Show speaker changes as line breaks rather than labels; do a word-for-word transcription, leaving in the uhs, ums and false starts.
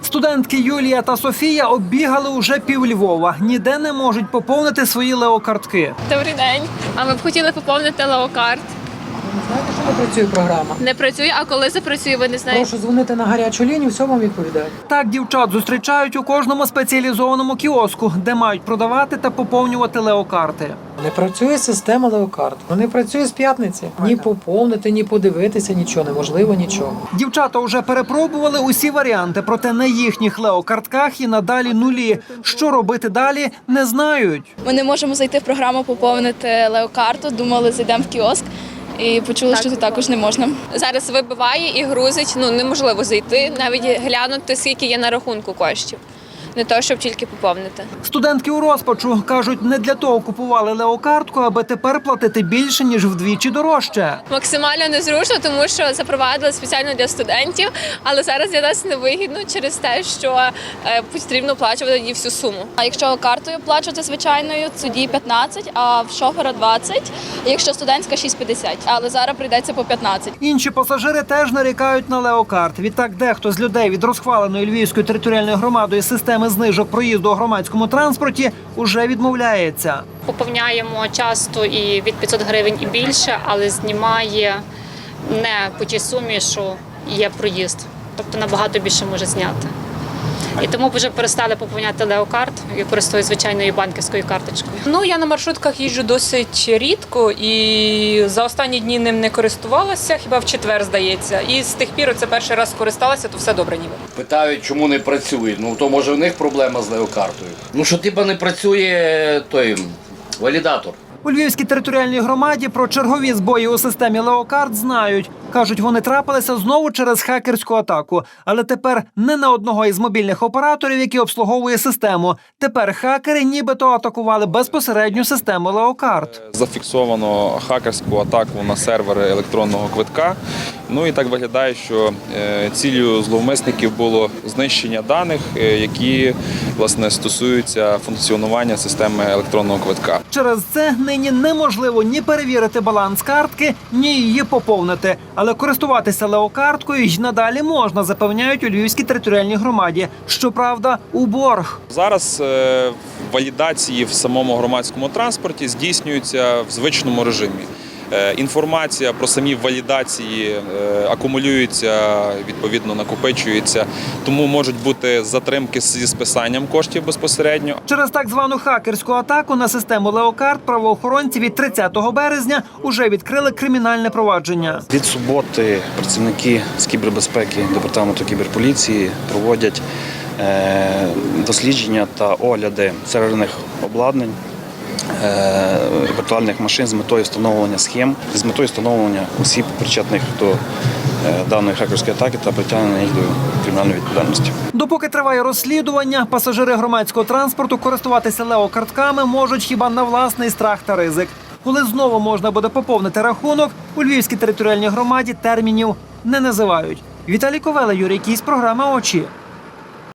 Студентки Юлія та Софія оббігали уже пів Львова. Ніде не можуть поповнити свої леокартки.
Добрий день. А ми б хотіли поповнити леокарт.
Ви знаєте, що не працює програма?
Не працює, а коли запрацює, ви не знаєте?
Прошу дзвонити на гарячу лінію, все вам відповідають.
Так дівчат зустрічають у кожному спеціалізованому кіоску, де мають продавати та поповнювати леокарти.
Не працює система леокарт. Не працює з п'ятниці. Ні поповнити, ні подивитися, нічого, неможливо нічого.
Дівчата вже перепробували усі варіанти, проте на їхніх леокартках і надалі нулі. Що робити далі, не знають.
Ми не можемо зайти в програму поповнити леокарту, думали, зайдемо в кіоск. І почули, що тут також не можна.
Зараз вибиває і грузить, ну неможливо зайти, навіть глянути, скільки є на рахунку коштів. Не то, щоб тільки поповнити.
Студентки у розпачу кажуть, не для того купували леокартку, аби тепер платити більше, ніж вдвічі дорожче.
Максимально незручно, тому що запровадили спеціально для студентів, але зараз для нас невигідно через те, що потрібно оплачувати її всю суму.
А якщо картою оплачувати звичайною, тоді п'ятнадцять, а в шофера двадцять, якщо студентська шість п'ятдесят. Але зараз прийдеться по п'ятнадцять.
Інші пасажири теж нарікають на леокарт. Відтак дехто з людей від розхваленої Львівською територіальною громадою системи знижок проїзду у громадському транспорті уже відмовляється.
Поповняємо часто і від п'ятсот гривень і більше, але знімає не по тій сумі, що є проїзд. Тобто набагато більше може зняти. І тому вже перестали поповняти леокарт і користуюсь звичайною банківською карточкою.
Ну, я на маршрутках їжджу досить рідко і за останні дні ним не користувалася, хіба в четвер, здається. І з тих пір, це перший раз скористалася, то все добре ніби.
Питають, чому не працює. Ну, то може в них проблема з леокартою. Ну, що типа не працює той валідатор.
У Львівській територіальній громаді про чергові збої у системі леокарт знають. Кажуть, вони трапилися знову через хакерську атаку. Але тепер не на одного із мобільних операторів, який обслуговує систему. Тепер хакери нібито атакували безпосередню систему леокарт.
Зафіксовано хакерську атаку на сервери електронного квитка. Ну і так виглядає, що ціллю зловмисників було знищення даних, які, власне, стосуються функціонування системи електронного квитка.
Через це нині неможливо ні перевірити баланс картки, ні її поповнити. Але користуватися леокарткою й надалі можна, запевняють у Львівській територіальній громаді. Щоправда, у борг.
Зараз валідації в самому громадському транспорті здійснюються в звичному режимі. Інформація про самі валідації акумулюється, відповідно накопичується, тому можуть бути затримки зі списанням коштів безпосередньо.
Через так звану хакерську атаку на систему леокарт правоохоронці від тридцятого березня уже відкрили кримінальне провадження.
Від суботи працівники з кібербезпеки департаменту кіберполіції проводять дослідження та огляди серверних обладнань, віртуальних машин з метою встановлення схем, з метою встановлення осіб, причетних до даної хакерської атаки та притягнення їх до кримінальної відповідальності.
Допоки триває розслідування, пасажири громадського транспорту користуватися леокартками можуть хіба на власний страх та ризик. Коли знову можна буде поповнити рахунок, у Львівській територіальній громаді термінів не називають. Віталій Ковела, Юрій Кісь, програма «Очі».